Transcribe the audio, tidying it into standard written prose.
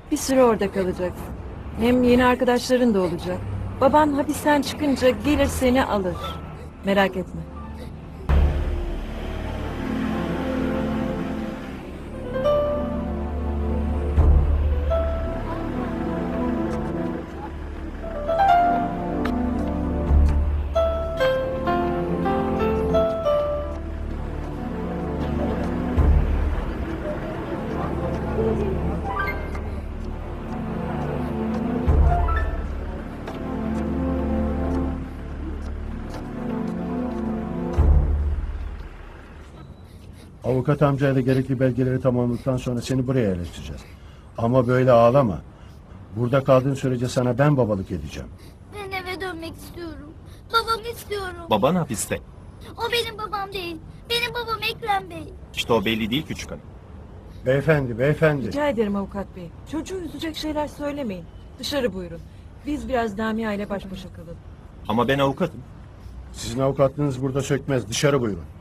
Bir süre orada kalacaksın. Hem yeni arkadaşların da olacak. Baban hapisten çıkınca gelir seni alır. Merak etme. Avukat amcayla gerekli belgeleri tamamladıktan sonra seni buraya yerleştireceğiz. Ama böyle ağlama. Burada kaldığın sürece sana ben babalık edeceğim. Ben eve dönmek istiyorum. Babamı istiyorum. Baban hapiste. O benim babam değil. Benim babam Ekrem Bey. İşte o belli değil küçük hanım. Beyefendi. Rica ederim avukat bey. Çocuğu üzecek şeyler söylemeyin. Dışarı buyurun. Biz biraz Lamia ile baş başa kalalım. Ama ben avukatım. Sizin avukatlığınız burada sökmez. Dışarı buyurun.